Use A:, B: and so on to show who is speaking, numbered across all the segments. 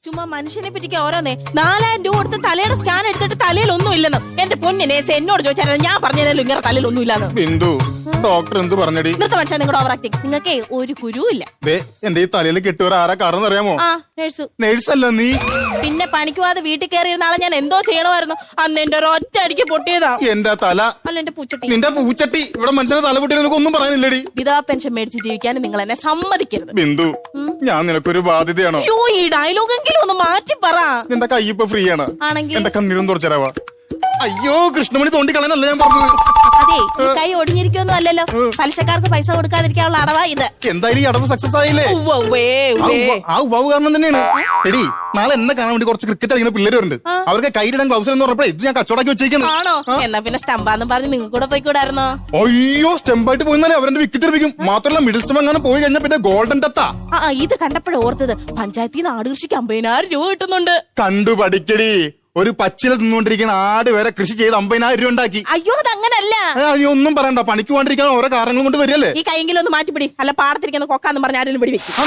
A: ചുമ്മാ മനുഷ്യനെ പറ്റിക്ക് ഓരോന്നേ 4000 രൂപ കൊടുത്ത് തലയുടെ സ്കാൻ എടുത്തിട്ട് തലയിൽ ഒന്നും ഇല്ലെന്ന്. എന്റെ പൊന്നു നേഴ്സ് എന്നോട് ചോദിച്ചാൽ ഞാൻ പറഞ്ഞാലും ഇങ്ങനെ തലയിൽ ഒന്നും ഇല്ലാന്ന്.
B: ബിന്ദു ഡോക്ടർ എന്ത് പറഞ്ഞടി?
A: ഇന്നത്തെ മനുഷ്യൻ നിങ്ങളുടെ ഓവർ ആക്ടിങ്. നിങ്ങൾക്ക് ഒരു കുരുവില്ല.
B: എന്റെ ഈ തലയിൽ കെട്ടുവരെ ആരാ കാരണം അറിയാമോ?
A: നേഴ്സ്.
B: നേഴ്സല്ല നീ.
A: പിന്നെ പണിക്ക് പോവാതെ വീട്ടിൽ കയറിയിരുന്ന ആളെ ഞാൻ എന്തോ ചെയ്യണമായിരുന്നു. അന്ന് എന്റെ ഒരൊറ്റ അടിക്ക് പൊട്ടിയതാ
B: എന്റെ തല.
A: അല്ല എന്റെ പൂച്ചട്ടി.
B: നിന്റെ പൂച്ചട്ടി. ഇവിടെ മനുഷ്യനെ തല പൊട്ടിയത് നിനക്ക് ഒന്നും പറയുന്നില്ലടി.
A: വിധവാ പെൻഷൻ മേടിച്ച് ജീവിക്കാൻ നിങ്ങൾ എന്നെ സമ്മതിക്കരുത്.
B: ബിന്ദു ഞാൻ നിനക്കൊരു ബാധ്യതയാണോ?
A: ഈ ഡയലോഗെങ്കിലും ഒന്ന് മാറ്റി പറ.
B: എന്റെ കൈ ഇപ്പൊ ഫ്രീ ആണ്.
A: ആണെങ്കിൽ
B: എന്റെ കണ്ണീരും തുറച്ചരാവാ. അയ്യോ കൃഷ്ണമണി തോണ്ടി കളയാനല്ല ഞാൻ പറഞ്ഞത്.
A: അതെ ഈ കൈ ഒടിഞ്ഞിരിക്കൊന്നും അല്ലല്ലോ. പലിശക്കാർക്ക് പൈസ കൊടുക്കാതിരിക്കാനുള്ള അടവാ ഇത്.
B: എന്തായാലും ഈ അടവ് സക്സസ് ആയില്ലേ? ആ ഉവാവ് കാരണം തന്നെയാണ്. എടി നാളെ എന്നെ കാണാൻ വേണ്ടി കുറച്ച് ക്രിക്കറ്റ് കളിക്കുന്ന പിള്ളേർ വരുന്നുണ്ട്. അവർക്ക് കൈയിടാൻ ഗ്ലൗസ് എന്ന് പറഞ്ഞപ്പോ ഇത് ഞാൻ കച്ചവടാക്കി വെച്ചേക്കുന്നു.
A: ആണോ? എന്നാ പിന്നെ സ്റ്റംപാന്ന് പറഞ്ഞ് നിങ്ങൾക്ക് കൂടെ പോയിക്കൂടായിരുന്നോ?
B: അയ്യോ സ്റ്റെമ്പായിട്ട് പോയിന്നാലേ അവരുടെ വിക്കറ്റ് എറിയിക്കും. മാത്രമല്ല മിഡിൽ സ്റ്റം അങ്ങനെ പോയി കഴിഞ്ഞാൽ പിന്നെ ഗോൾഡൻ ടത്താ.
A: ഇത് കണ്ടപ്പോഴേ ഓർത്തത് പഞ്ചായത്തിൽ നിന്ന് ആട് കൃഷിക്ക് 50,000 രൂപ കിട്ടുന്നുണ്ട്.
B: കണ്ടു പഠിക്കടി. ഒരു പച്ചില തിന്നുകൊണ്ടിരിക്കുന്ന ആട് വരെ കൃഷി ചെയ്ത് 50,000 രൂപ ഉണ്ടാക്കി.
A: അയ്യോ അതങ്ങനല്ല.
B: അയ്യോ ഒന്നും പറയണ്ട. പണിക്ക് പോകാണ്ടിരിക്കാൻ ഓരോ കാരണങ്ങൾ കൊണ്ട് വരില്ലേ.
A: ഈ കൈയെങ്കിലും ഒന്ന് മാറ്റിപ്പിടി. അല്ല പാടത്തിരിക്കുന്ന കൊക്കാന്ന് പറഞ്ഞ ആരെങ്കിലും പിടി വെക്കും.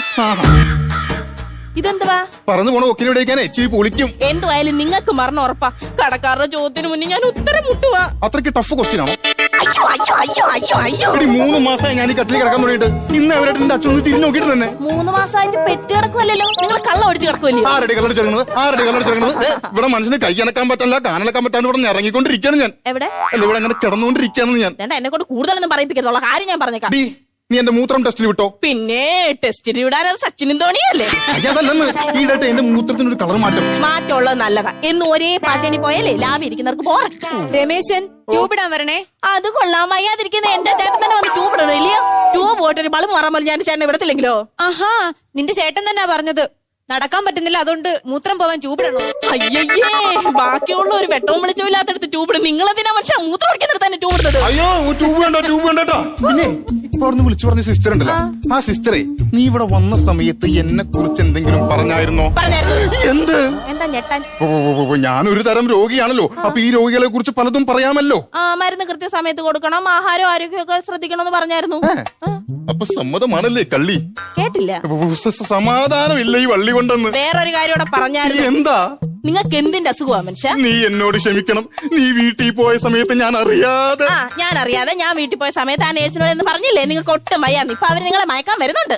A: ഇതെന്തുവാ
B: പറഞ്ഞു പോണ ഒക്കിനെവിടേക്കാനെ എച്ചി പൊളിക്കും.
A: എന്തുവായാലും നിങ്ങൾക്ക് മരണം ഉറപ്പാ. കടക്കാരുടെ ചോദ്യത്തിന് മുന്നേ ഞാൻ ഉത്തരം മുട്ടുവാ.
B: അത്രയ്ക്ക് ടഫ് ക്വസ്റ്റ്യൻ ആണോ?
A: അയ്യോ അയ്യോ അയ്യോ അയ്യോ അയ്യോ
B: 3 മാസമായി ഞാൻ ഈ കട്ടിൽ കിടക്കാൻ തുടങ്ങിയിട്ട്. ഇന്ന് അവരായിട്ട് എന്റെ അച്ഛൻ തിരിഞ്ഞു നോക്കിയിട്ട് തന്നെ
A: 3 മാസമായിട്ട് പെട്ട് കിടക്കുമല്ലോ. നിങ്ങൾ കള്ളം ഒടിച്ച് കിടക്കുമല്ലോ.
B: ആരടി കള്ളടിച്ചിറങ്ങുന്നത്? ഇവിടെ മനുഷ്യന് കൈ അനക്കാൻ പറ്റില്ല, കാനടക്കാൻ പറ്റാണ്ട് ഇവിടെ ഇറങ്ങിക്കൊണ്ടിരിക്കുകയാണ് ഞാൻ.
A: എവിടെ
B: അല്ല ഇവിടെ അങ്ങനെ കിടന്നുകൊണ്ടിരിക്കുകയാണ് ഞാൻ.
A: എന്നെ കൊണ്ട് കൂടുതലൊന്നും പറയിപ്പിക്കത്തുള്ള കാര്യം ഞാൻ പറഞ്ഞേക്കാം.
B: നീ എന്റെ മൂത്രം ടെസ്റ്റിൽ വിട്ടോ?
A: പിന്നെ ടെസ്റ്റിൽ വിടാൻ സച്ചിനും ധോണിയല്ലേ?
B: അതല്ലെന്ന് ഈടായിട്ട് എന്റെ മൂത്രത്തിന് ഒരു കളർ
A: മാറ്റമുള്ളത് നല്ലതാ. എന്ന് ഒരേ പാറ്റേണി പോയാലേ ലാഭം ഇരിക്കുന്നവർക്ക് പോറ.
C: രമേശൻ ട്യൂബ് ഇടാൻ വരണേ.
A: അത് കൊള്ളാം. വയ്യാതിരിക്കുന്ന എന്റെ ചേട്ടൻ തന്നെ വന്ന് ട്യൂബ് ഇടണം ഇല്ലയോ? ട്യൂബ് പോയിട്ട് ഒരു ബൾബ് മാറാൻ ഞാൻ ചേട്ടനെ വിടത്തില്ലെങ്കിലോ?
C: ആഹാ നിന്റെ ചേട്ടൻ തന്നെ പറഞ്ഞത് നടക്കാൻ പറ്റുന്നില്ല അതുകൊണ്ട് മൂത്രം പോവാൻ ട്യൂബ് ഇടണം.
A: അയ്യേ ബാക്കിയുള്ള ഒരു വെട്ടവും വെളിച്ചവും ഇല്ലാത്തടുത്ത് ട്യൂബ് ഇടും. നിങ്ങളെന്തിനാ മനുഷ്യ മൂത്രം ഒഴിക്കുന്നിടത്ത് തന്നെ ട്യൂബ് ഇടുന്നത്?
B: അയ്യോ ട്യൂബ് വേണ്ടോ. പിന്നെ ഇപ്പൊ അവിടുന്ന് വിളിച്ചു പറഞ്ഞ സിസ്റ്റർ ഉണ്ടല്ലോ, ആ സിസ്റ്ററെ നീ ഇവിടെ വന്ന സമയത്ത് എന്നെ കുറിച്ച് എന്തെങ്കിലും പറഞ്ഞായിരുന്നോ? എന്ത്?
A: എന്താ ഞെട്ടാൻ?
B: ഞാനൊരു തരം രോഗിയാണല്ലോ. അപ്പൊ ഈ രോഗികളെ കുറിച്ച് പലതും പറയാമല്ലോ.
A: മരുന്ന് കൃത്യസമയത്ത് കൊടുക്കണം, ആഹാരം ആരോഗ്യമൊക്കെ ശ്രദ്ധിക്കണം എന്ന് പറഞ്ഞായിരുന്നു.
B: അപ്പൊ സമ്മതമാണല്ലേ കള്ളി?
A: കേട്ടില്ല.
B: സമാധാനമില്ല ഈ വള്ളി കൊണ്ടെന്ന്.
A: വേറൊരു കാര്യം കൂടെ പറഞ്ഞായിരുന്നു.
B: എന്താ?
A: നിങ്ങൾക്ക് എന്തിന്റെ അസുഖമാ മനുഷ്യ?
B: നീ എന്നോട് ക്ഷമിക്കണം. നീ വീട്ടിൽ പോയ സമയത്ത് ഞാൻ അറിയാതെ
A: ഞാൻ വീട്ടിൽ പോയ സമയത്ത് ആ നേഴ്സിനോട് എന്ന് പറഞ്ഞില്ലേ നിങ്ങൾക്ക് ഒട്ടും വയ്യാന്ന്. ഇപ്പൊ അവര് നിങ്ങളെ മയക്കാൻ വരുന്നുണ്ട്.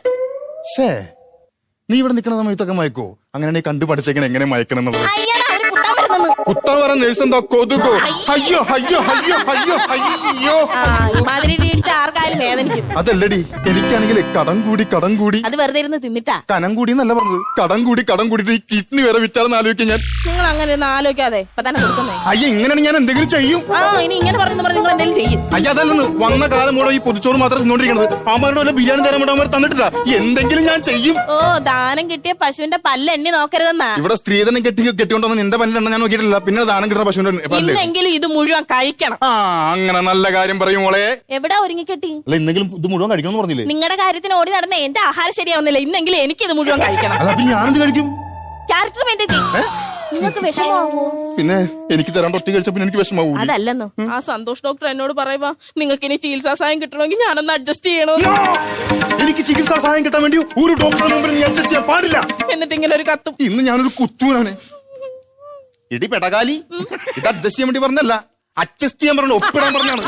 B: നീ ഇവിടെ നിൽക്കുന്ന സമയത്തൊക്കെ മയക്കോ? അങ്ങനെ കണ്ടു പഠിച്ചേക്കണ എങ്ങനെ മയക്കണം എന്നുള്ളത്.
A: കുത്താൻ
B: വരാൻ നേഴ്സ് എന്താ കൊതുകോ? അയ്യോ അയ്യോ അയ്യോ അയ്യോ അയ്യോ
A: ആർക്കാരും വേദനിക്കും.
B: അതല്ലടി എനിക്കാണെങ്കിൽ കടം കൂടി
A: അത് വെറുതെ ഇരുന്ന് തിന്നിട്ടാ.
B: കനം കൂടി എന്നല്ല പറഞ്ഞത്, കടം കൂടിയിട്ട് ഈ കിഡ്നി വരെ വിറ്റാണെന്ന് ആലോചിക്കാൻ ഞാൻ.
A: നിങ്ങൾ അങ്ങനെ ഒന്നും ആലോചിക്കാതെ ഇപ്പൊ തന്നെ കൊടുക്കുന്നേ.
B: അയ്യ ഇങ്ങനെയാണ് ഞാൻ എന്തെങ്കിലും ചെയ്യും.
A: ഇനി ഇങ്ങനെ പറഞ്ഞു നിങ്ങൾ എന്തെങ്കിലും ചെയ്യും.
B: അയ്യ അതല്ലെന്ന് വന്ന കാലം കൂടെ ഈ പൊതിച്ചോറ് മാത്രം തിന്നോണ്ടിരിക്കണത്. അവന്മാരുടെ വല്ല ബിരിയാണി തരാൻ വേണ്ടി അവന്മാർ തന്നിട്ടില്ല. എന്തെങ്കിലും ഞാൻ ചെയ്യും.
A: ദാനം കിട്ടിയ പശുവിന്റെ പല്ല് എണ്ണി നോക്കരുതെന്നാ.
B: ഇവിടെ സ്ത്രീധനം കെട്ടിക്കൊണ്ടോ നിന്റെ പല്ലെണ്ണ ഞാൻ നോക്കിയിട്ടില്ല. പിന്നെ ദാനം കിട്ടുന്ന പശുവിന്റെ
A: ഇന്നെങ്കിലും ഇത് മുഴുവൻ കഴിക്കണം.
B: അങ്ങനെ നല്ല കാര്യം പറയും മോളെ.
A: എവിടെ ഒരുങ്ങി കെട്ടി?
B: അല്ല ഇന്നെങ്കിലും ഇത് മുഴുവൻ കഴിക്കണം പറഞ്ഞില്ലേ?
A: നിങ്ങളുടെ കാര്യത്തിന് ഓടി നടന്ന എന്റെ ആഹാരം ശരിയാവുന്നില്ല. ഇന്നെങ്കിലും എനിക്ക് ഇത് മുഴുവൻ കഴിക്കണം.
B: ഞാനെന്ത് കഴിക്കും?
A: Character maintain. നിങ്ങൾക്ക് വിഷമാവോ?
B: പിന്നെ എനിക്ക് തരാണ്ട് ഒറ്റ കഴിച്ച പിന്നെ എനിക്ക് വിഷമാവൂ.
A: അതല്ലെന്നോ ആ സന്തോഷ് ഡോക്ടർ എന്നോട് പറയുവാ നിങ്ങൾക്ക് ഇനി ചികിത്സാ സഹായം കിട്ടണമെങ്കിൽ ഞാനൊന്ന് അഡ്ജസ്റ്റ് ചെയ്യണോ?
B: എനിക്ക് ചികിത്സാ സഹായം കിട്ടാൻ വേണ്ടി ഒരു ഡോക്ടറുടെ മുമ്പിൽ നീ അഡ്ജസ്റ്റ് ചെയ്യാൻ പാടില്ല.
A: എന്നിട്ട് ഇങ്ങനെ ഒരു കത്തും.
B: ഇന്ന് ഞാനൊരു കുത്തൂനാണ്. ഇടി പെടകാലി ഇത് അഡ്ജസ്റ്റ് ചെയ്യാൻ വേണ്ടി പറഞ്ഞല്ല, അഡ്ജസ്റ്റ് ചെയ്യാൻ പറഞ്ഞു, ഒപ്പിടാൻ പറഞ്ഞാണ്.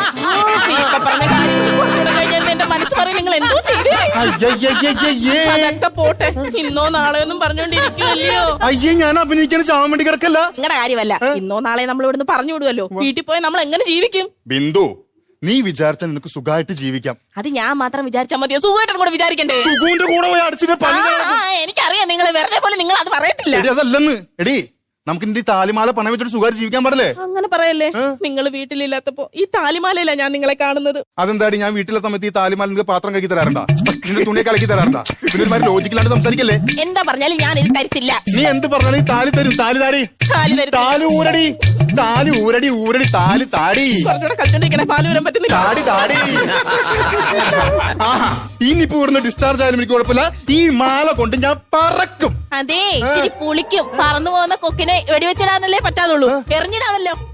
A: എന്റെ മനസ്സ് പറയും നിങ്ങൾ എന്തോ ചെയ്തേ പോട്ടെ. ഇന്നോ നാളെയൊന്നും പറഞ്ഞോണ്ടിരിക്കുമല്ലോ.
B: അയ്യേ ഞാൻ അഭിനയിക്കാൻ ചാവാൻ വേണ്ടി കിടക്കല്ല.
A: നിങ്ങളുടെ കാര്യമല്ല. ഇന്നോ നാളെ നമ്മൾ ഇവിടുന്ന് പറഞ്ഞു വിടുമല്ലോ. വീട്ടിൽ പോയി നമ്മൾ എങ്ങനെ ജീവിക്കും?
B: ബിന്ദു നീ വിചാരിച്ചാൽ നിനക്ക് സുഖമായിട്ട് ജീവിക്കാം.
A: അത് ഞാൻ മാത്രം വിചാരിച്ചാൽ മതിയോ? സുഖമായിട്ടും കൂടെ വിചാരിക്കണ്ടേ?
B: സുഖുവിന്റെ കൂടെ പോയി അടിച്ചിട്ട്
A: എനിക്കറിയാം നിങ്ങൾ വെറുതെ പോലെ നിങ്ങൾ അത് പറയത്തില്ല.
B: അതല്ലെന്ന് എടി നമുക്ക് ഈ താലിമാല പണം വെച്ചിട്ട് സുഖമായിട്ട് ജീവിക്കാൻ പാടില്ലേ?
A: അങ്ങനെ പറയല്ലേ. നിങ്ങൾ വീട്ടിലില്ലാത്തപ്പോ ഈ താലിമാലയില്ല ഞാൻ നിങ്ങളെ കാണുന്നത്.
B: അതെന്താടി ഞാൻ വീട്ടിലെ സമയത്ത് ഈ താലിമാല നിങ്ങൾക്ക് പാത്രം കഴുകി തരാറുണ്ടാ? നിന്റെ തുണിയെ കലക്കി തരാറുണ്ടാ? പിന്നെ ലോജിക്കലാണ്ട് സംസാരിക്കല്ലേ?
A: എന്താ പറഞ്ഞാലും ഞാൻ ഇത് തരത്തില്ല.
B: നീ എന്ത് പറഞ്ഞാലും ഈ താലി തരും. താലി താടി, താലി ഊരടി, താലി ഊരടി, ഊരടി താലി താടി.
A: കുറച്ചുകൂടെ കളിച്ചോണ്ടിരിക്കണേ, പാല് വരാൻ പറ്റുന്നില്ല.
B: താടി താടി. ഇനിയിപ്പോ ഇവിടുന്ന് ഡിസ്ചാർജ് ആയാലും എനിക്ക് കുഴപ്പമില്ല. ഈ മാല കൊണ്ട് ഞാൻ പറക്കും.
A: അതെ ഇച്ചിരി പുളിക്കും. പറന്നു പോകുന്ന കൊക്കിനെ വെടിവെച്ചിടാന്നല്ലേ പറ്റാതുള്ളൂ. എറിഞ്ഞിടാമല്ലോ.